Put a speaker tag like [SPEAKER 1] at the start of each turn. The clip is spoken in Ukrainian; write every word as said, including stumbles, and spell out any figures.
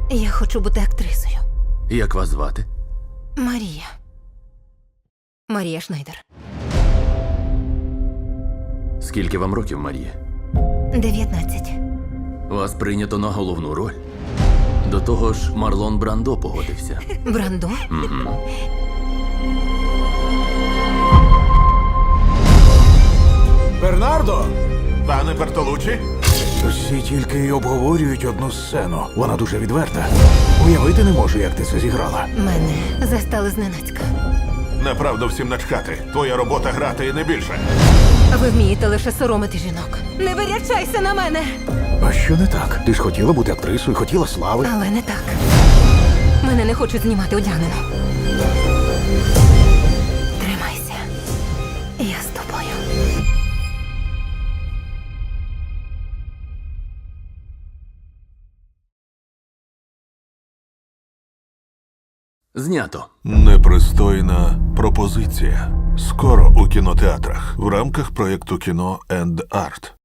[SPEAKER 1] Я хочу бути актрисою.
[SPEAKER 2] Як вас звати?
[SPEAKER 1] Марія. Марія Шнайдер.
[SPEAKER 2] Скільки вам років, Марія?
[SPEAKER 1] дев'ятнадцять.
[SPEAKER 2] Вас прийнято на головну роль. До того ж, Марлон Брандо погодився.
[SPEAKER 1] Брандо?
[SPEAKER 3] Бернардо! Пане Бертолуччі?
[SPEAKER 4] Всі тільки й обговорюють одну сцену. Вона дуже відверта. Уявити не можу, як ти це зіграла.
[SPEAKER 1] Мене застали зненацька.
[SPEAKER 3] Направду всім начхати. Твоя робота грати і не більше.
[SPEAKER 1] Ви вмієте лише соромити жінок. Не вирячайся на мене!
[SPEAKER 4] А що не так? Ти ж хотіла бути актрисою, хотіла слави.
[SPEAKER 1] Але не так. Мене не хочуть знімати одягнено. Тримайся. Я з тобою.
[SPEAKER 2] Знято.
[SPEAKER 3] Непристойна пропозиція. Скоро у кінотеатрах в рамках проєкту кіно енд арт.